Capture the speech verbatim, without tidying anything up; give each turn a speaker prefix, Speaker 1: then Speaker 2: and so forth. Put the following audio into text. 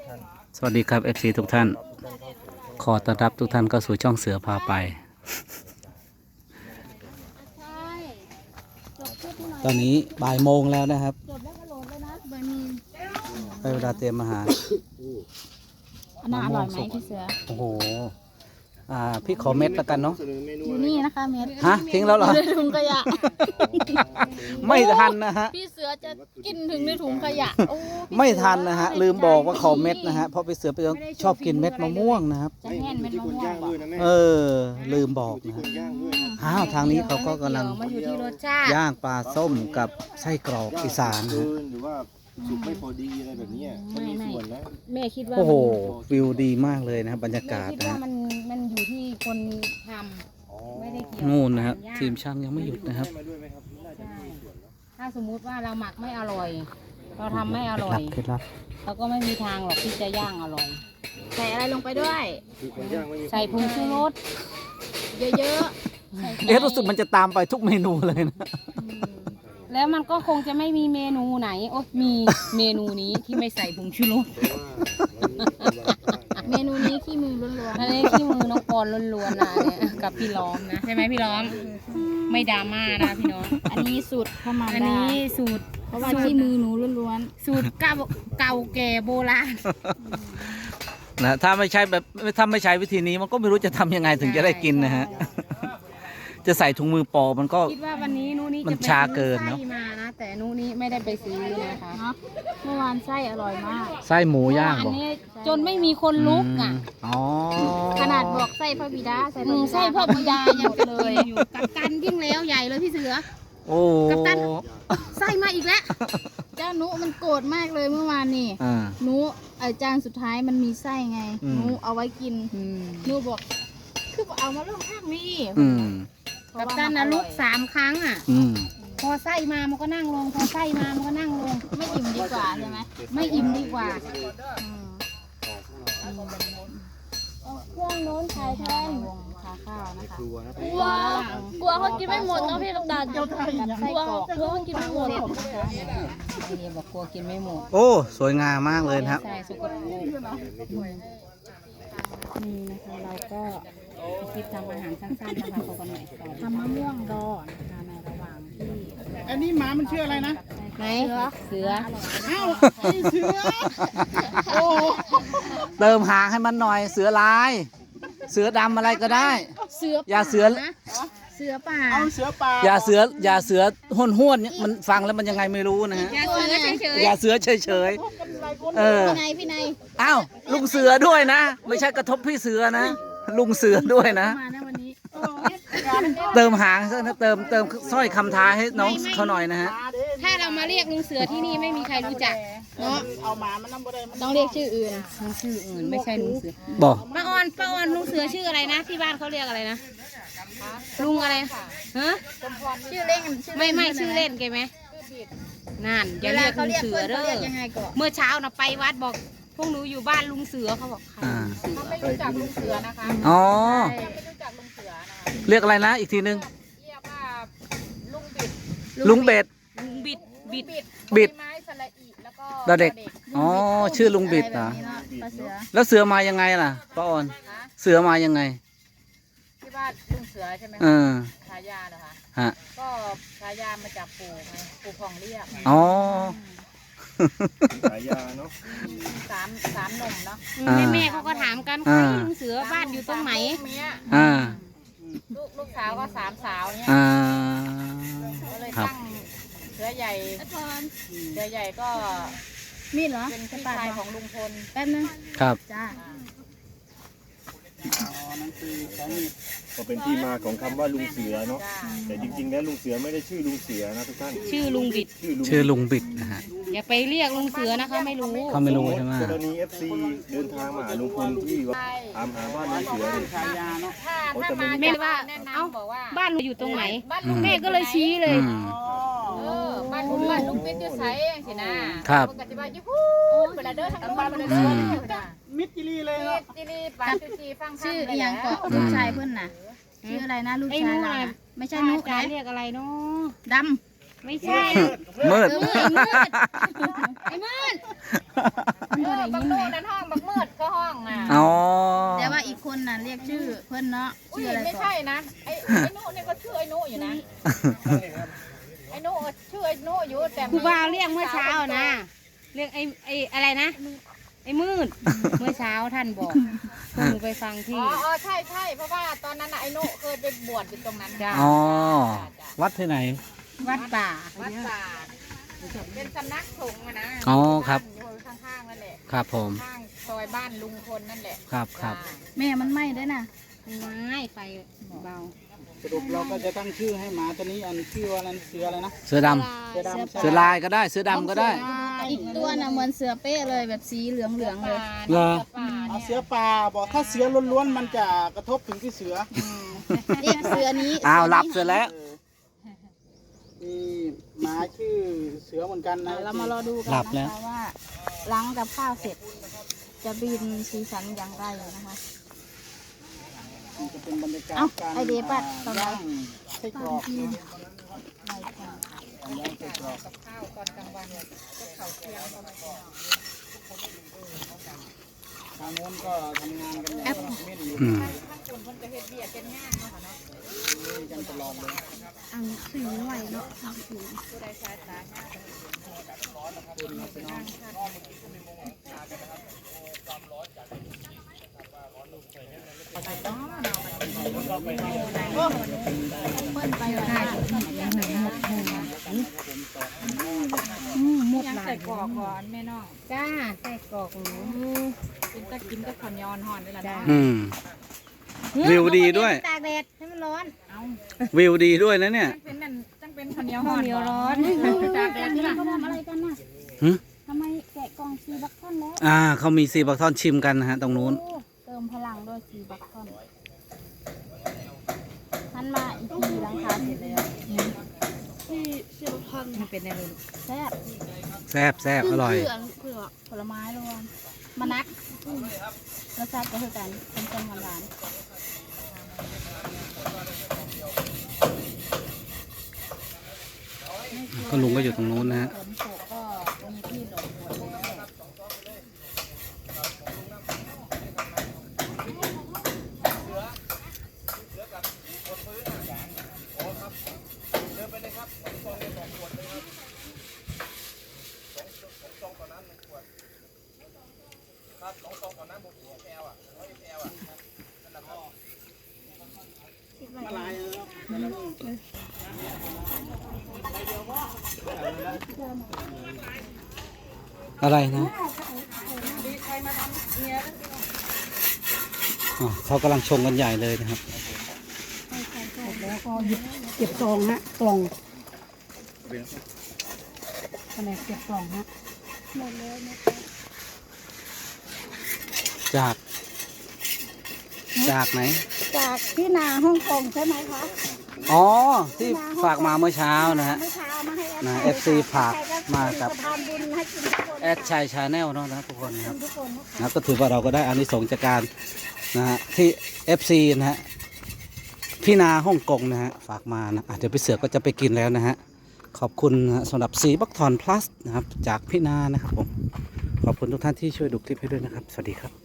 Speaker 1: สวัสดีครับ เอฟ ซี ทุกท่านขอต้อนรับทุกท่านเข้าสู่ช่องเสือพาไปตอนนี้บ่ายโมงแล้วนะครับไปเวลาเตรียมอาหาร
Speaker 2: อันน่าอร่อยไหมพี่เสือ
Speaker 1: โอ้โหอ่าพี่ขอเม็ดแล้วกันเนาะ
Speaker 2: อยู่นี่นะคะเม็ด
Speaker 1: ฮะทิ้งแล้วเหรอ
Speaker 2: ในถุงขยะ
Speaker 1: ไม่ทันนะฮะ
Speaker 2: พี่เสือจะกินถึงในถุงขยะ
Speaker 1: ไม่ทันนะฮะลืมบอกว่าขอเม็ดนะฮะเพราะพี่เสือไปชอบกินเม็ดมะม่วงนะครับ
Speaker 2: จะแห้งเม็ดมะม่วง
Speaker 1: เออลืมบอกนะอ้าวทางนี้เขาก็กำลังย่างปลาส้มกับไส้กรอกอีสานนะ
Speaker 3: หรือว่าสุกไม่พอดีอะไรแบบนี้มันมีส่วนนะ
Speaker 2: แม่คิดว่า
Speaker 1: โอ้โหวิวดีมากเลยนะครับบรรยากาศนะ
Speaker 2: มันมันอยู่ที่คนทำไม่ได้เกี่ยว
Speaker 1: นู่นนะครับทีมช่างยังไม่หยุดนะครับ
Speaker 2: ถ้าสมมุติว่าเราหมักไม่อร่อยเราทำไม่อร่อยเราก็ไม่มีทางหรอกที่จะย่างอร่อยใส่อะไรลงไปด้วยใส่ผงชูรสเยอะๆ
Speaker 1: เอ๊ะรู้สึกมันจะตามไปทุกเมนูเลยนะ
Speaker 2: แล้วมันก็คงจะไม่มีเมนูไหนโอ้มีเมนูนี้ที่ไม่ใส่ผงชูรสเมนูนี้ขี้มือล้วนๆอันนี้ขี้มือน้องปอนล้วนๆนะเนี่ยกับพี่ล้อมนะใช่ไหมพี่ล้อมไม่ดราม่านะพี่น้องอันนี้สูตรเข้ามาอันนี้สูตรเพราะว่าขี้มือหนูล้วนๆสูตรเก่าเก่าแก่โบราณ
Speaker 1: นะถ้าไม่ใช่แบบถ้าไม่ใช้วิธีนี้มันก็ไม่รู้จะทำยังไงถึงจะได้กินนะฮะจะใส่ถุงมือปอมันก็
Speaker 2: คิดว่าวันนี้นู้นี่
Speaker 1: มันชาเกินเนาะ
Speaker 2: มานะแต่นู้นี่ไม่ได้ไปซื้อนะคะเมื่อวานไส้อร่อยมาก
Speaker 1: ไส้หมูย่างบอก
Speaker 2: จนไม่มีคนลุกอ่ะขนาดบอกไส้พระบิดาใส่ไส้พระบิดายังเลยอยู่กับกันยิ่งแล้วใหญ่เลยพี่เสือ
Speaker 1: โอ้
Speaker 2: กับกันไส้มาอีกแล้วเจ้านุมันโกรธมากเลยเมื่อวานนี่นุอาจารย์สุดท้ายมันมีไส้ไงนุเอาไว้กินนุบอกคือเอามาลงข้างนี้กับกันนะลุกสามครั้งอ่ะพอไส้มามันก็นั่งลงพอไส้มามันก็นั่งลงไม่อิ่มดีกว่าใช่ไหมไม่อิ่มดีกว่าเครื่องโน้นขายแทนวงขาข้าวนะคะกลัวกลัวเขากินไม่หมดเนาะพี่ลูกตาลกลัวกลัวเขากินไม่หมดไอเดียบอกกลัวกินไม่หมด
Speaker 1: โอ้สวยงามมากเลยครับ
Speaker 2: ใช่สุกนี่นะคะเราก็คลิปทำอาหารสั้นๆนะคะขอกันหน่อยทำมะม่วงดองนะคะในระหว่างที่
Speaker 4: อันนี้หมามันชื่ออะไรนะ
Speaker 2: ไหนเสือ
Speaker 4: อ้าวไอเสือโอ้
Speaker 1: เติมหางให้มันหน่อยเสือลายเสือดำอะไรก็ได้
Speaker 2: เสือ
Speaker 1: อย่าเสือ
Speaker 2: เสือป่า
Speaker 4: เอาเสือป่า
Speaker 1: อย่าเสืออย่าเสือห้วนห้วนมันฟังแล้วมันยังไงไม่รู้นะฮะอย่าเสือเฉยเฉยเออ
Speaker 2: พี่นายพี่นาย
Speaker 1: อ้าวลุงเสือด้วยนะไม่ใช่กระทบพี่เสือนะลุงเสือด้วยนะเติมหางซะนะเติมเติมสร้อยคำท้าให้น้องเขาหน่อยนะฮะ
Speaker 2: ถ้าเรามาเรียกลุงเสือที่นี่ไม่มีใครรู้จักเนาะ
Speaker 4: เอาหมามันน้ำบ่ได้
Speaker 2: ต้องเรียกชื่ออื่นชื่ออื่นไม่ใช่ลุงเสือ
Speaker 1: บอก
Speaker 2: ป้าออนป้าออนลุงเสือชื่ออะไรนะที่บ้านเขาเรียกอะไรนะลุงอะไรฮะ
Speaker 4: ชื่อเล่น
Speaker 2: ไม่ไม่ชื่อเล่นแกไหมนั่นอย่าเรียกลุงเสือเด้อเมื่อเช้านะไปวัดบอกพวกหนูอยู่บ้านลุงเสือเขาบอก
Speaker 4: เขาไม่รู้จักลุงเสือนะคะ
Speaker 1: อ๋อ
Speaker 4: ไม่รู้จักลุงเสือนะคะ
Speaker 1: เรียกอะไรนะอีกทีนึง
Speaker 4: เรียกว่าลุงบิด
Speaker 1: ลุงเบ็ด
Speaker 2: ลุงบิดบิด
Speaker 1: บิด
Speaker 4: ไม้สระอีแล้วก็
Speaker 1: เด็กอ๋อชื่อลุงบิดนะแล้วเสือมายังไงล่ะป้าออนเสือมายังไง
Speaker 4: ที่บ้านลุงเสือใช่ไหม
Speaker 1: เออ
Speaker 4: ฉายาเหรอคะ
Speaker 1: ฮะ
Speaker 4: ก็ฉายามาจากปู่ไงปู่พองเรียก
Speaker 1: อ๋อ
Speaker 3: ฉายาเนาะ
Speaker 4: สามสามหนุ่มเนาะ
Speaker 2: แม่แม่เขาก็ถามกันใครลุงเสือบ้านอยู่ตรงไหน
Speaker 1: อ่า
Speaker 4: ลูกลูกสาวก็สามสาวเนี่ยก็เลยตั้งเสือใหญ่เสือใหญ่ก็
Speaker 2: มีเหรอ
Speaker 4: เป็นพี่ชายของลุงพล
Speaker 2: แป๊บนึง
Speaker 1: ครับ
Speaker 2: จ้า
Speaker 3: ก็เป็นที่มาของคำว่าลุงเสือเนาะแต่จริงๆแล้วลุงเสือไม่ได้ชื่อลุงเสือนะทุกท่าน
Speaker 2: ชื่อลุงบิด
Speaker 1: ชื่อลุงบิดนะฮะ
Speaker 2: อย่าไปเรียกลุงเสือนะคะไม่รู้
Speaker 1: เขาไม่รู้ใช่ไหม
Speaker 3: กรณี เอฟ ซี เดินทางมาหาลุงพลที่ว่าตามหาบ้านลุงเสือเนี่ย
Speaker 4: เขาจะไม่
Speaker 2: แม่ว่าเอ้าบ้านเราอยู่ตรงไหนแม่ก็เลยชี้เลย
Speaker 4: บ้านบ้านลุงบิดอยู่ไสสินะครับปกติว่าอยู่ฮู้เวลาเดินทางบ้านมันเดิน
Speaker 3: มิดจิลีเลยเนาะ
Speaker 4: จิลีปาจุจีฟัง
Speaker 2: ชื่ออย่างเกาะลูกชายเพื่อนน่ะชื่ออะไรนะลูกชายเราไม่ใช่นุ๊กนะเรียกอะไรเนาะด
Speaker 4: ไม่ใช่
Speaker 1: มืด
Speaker 2: เออไอ้มืดไอ้มืดมัน
Speaker 4: เอ
Speaker 2: บ่
Speaker 4: อ
Speaker 2: ได้
Speaker 4: บั
Speaker 2: ยิ
Speaker 4: ก
Speaker 2: น
Speaker 4: โน่
Speaker 2: ไหม
Speaker 4: นั่นห้องบักมืดก็ห้องน่ะ
Speaker 1: อ๋อ
Speaker 2: แต่ว่าอีกคนน่ะเรียกชื่อเพิ่นเนาะ
Speaker 4: อุ้ย
Speaker 2: ชื่ออะไร
Speaker 4: ไม่
Speaker 2: ก่อ
Speaker 4: ใช่
Speaker 2: น
Speaker 4: นะไอ้ไอ้โน่เนี่ยก็ชื่อไอ้โน่อยู่นะไอ้โน่ชื่อไอ้โน่อยู่แต่
Speaker 5: ครูบาเรียกเมื่อเช้านะเรียกไอ้ไอ้อะไรนะไอ้มืดเมื่อเช้าท่านบอกพวกหนูไปฟัง
Speaker 4: อ๋
Speaker 5: ที่
Speaker 4: ออ๋อใช่ใช่เพราะว่าตอนนั้นน่ะไอ้โน่เคยไปบวชอยู่ตรงนั้น
Speaker 5: จ้ะ
Speaker 1: อ๋อ
Speaker 4: จ้ะ
Speaker 1: วัดที่ไหน
Speaker 5: วัดป่า
Speaker 4: วัดป่าเป็นสำนักสงฆ์อะนะ
Speaker 1: อ๋อครับ
Speaker 4: อยู่ข้างๆนั่นแหละ
Speaker 1: ครับผม
Speaker 4: ข้างซอยบ้านลุงพลนั่นแหละ
Speaker 1: ครับครับ
Speaker 4: จ้ะ
Speaker 2: แม่มันไหม้ด้วยน่ะ
Speaker 5: ไม่ไฟเบา
Speaker 6: สรุปเราก็จะตั้งชื่อให้หมาตัวนี้อันชื่อว่าอะไรเสืออะไรนะ
Speaker 1: เสือด
Speaker 6: เสือดำ
Speaker 1: ำเสือลายก็ได้ เสือดำก็ได้
Speaker 2: อีกตัวน่ะเหมือนเสือเป้เลยแบบสีเหลืองเหลืองๆเลย
Speaker 1: เหรอ
Speaker 4: ป่า
Speaker 6: เอา
Speaker 4: เนี่ย
Speaker 6: เสือป่าบอกถ้าเสือล้วนๆมันจะกระทบถึงที่เสือ
Speaker 2: เรียกเสือนี้
Speaker 1: อ้าว
Speaker 2: นี้
Speaker 1: หลับเสือแล้ว
Speaker 6: เออมีหมาชื่อเสือเหมือนกันนะ
Speaker 2: เรามารอดูกัน
Speaker 1: หลับ
Speaker 2: นะ
Speaker 1: แล้ว
Speaker 2: คะว่าหล้างกับข้าวเสร็จ จะบินสีสันอย่างไรนะคะ
Speaker 6: มันจะเป็นบรรยากาศ
Speaker 2: เอ้า
Speaker 6: การ
Speaker 2: ไอเดียปัดตอนไหน
Speaker 6: ย่างไส้กรอกเนอะ
Speaker 2: ไม่ค่ะ
Speaker 6: ย่างไส้กรอก
Speaker 4: กับข้าวตอนกลางวันเนี่ยก็เขาเที่ยงเขามากิน
Speaker 6: ทางโน้นก็ทำงานกันอย่างเม่นอยู่
Speaker 1: อืม
Speaker 4: ข้างคนเพิ่นก็เฮ็ดเบียดเป็นงานเนาะค่ะเนาะ
Speaker 6: นี่กันตลอดเลย
Speaker 2: อันสีไหวเนาะอันสี
Speaker 4: ผู้ใดสายตายาก
Speaker 2: เปิ้ลไปเลยค่ะ
Speaker 4: ยังใส่กรอกก่อนแม่น้อง
Speaker 5: จ้าไส้กรอกหนู
Speaker 4: กินตะกินตะขอนยอนห่อนนี่แหละเนาะ
Speaker 1: อืม วิวดีด้วย
Speaker 5: ตากแดดให้มันร้อน
Speaker 4: เอา
Speaker 1: วิวดีด้วยนะเนี่ย
Speaker 4: จังเป็นนั่นจังเป็นขอนเหนียว
Speaker 5: ข้า
Speaker 4: ห่
Speaker 5: ว
Speaker 4: อน
Speaker 5: เหนียวร้อน
Speaker 4: ตากแดดนี่ล่ะ
Speaker 2: เขาทำอะไรกันน่ะ
Speaker 1: หึ
Speaker 2: ทำไมแกะกล่องซีบัคคอนแล้ว
Speaker 1: อ่าเขามีซีบักทอนชิมกันนะฮะ ตรงนู้น
Speaker 2: โอ้เติมพลังด้วยซีบัคคอนทันมาอีกทีหลังคาเสร็จแล้วซีซีบัคคอน
Speaker 5: มันเป็นอะไรลูก
Speaker 2: แซ่บ
Speaker 1: แซ่บแซ่บอร่อย
Speaker 2: เผือกเผือกผลไม้รวมมะนัดอืมรสชาติก็คือกันเป็นต้มหวาน
Speaker 1: ก็ลุงก็อยู่ตรงนู้นนะฮะ
Speaker 2: ๆฝนตกก็มีที่หลบฝนแล้ว
Speaker 6: มาลายแล้ว
Speaker 1: อะไรนะอ๋อเขากำลังชงกันใหญ่เลยนะครับ
Speaker 5: แล้วก็หยิบเก็บซองฮะกล่องแผนกเก็บกล่องฮะ
Speaker 1: จาก จากไหน
Speaker 2: จากที่นาฮ่องกงใช่ไหมคะ
Speaker 1: อ๋อ ที่ฝากมาเมื่อเช้านะฮะ
Speaker 2: เมื่อเช้ามาให้
Speaker 1: นะ
Speaker 2: แอ
Speaker 1: เอ
Speaker 2: ด
Speaker 1: ฟซีฝากมากับ
Speaker 2: ทานบุญให้กินทุกคน
Speaker 1: แอดชัยชาแนลเนาะนะทุกคนนะครับ
Speaker 2: ทุกคนนะคะ
Speaker 1: นะก็ถือว่าเราก็ได้อานิสงส์จากการนะฮะที่ เอฟ ซี นะฮะพี่นาฮ่องกงนะฮะฝากมานะอ่ะเดี๋ยวพี่เสือก็จะไปกินแล้วนะฮะขอบคุณนะฮะสำหรับสีบักทอนพลัสนะครับจากพี่นานะครับผมขอบคุณทุกท่านที่ช่วยดูคลิปให้ด้วยนะครับ สวัสดีครับ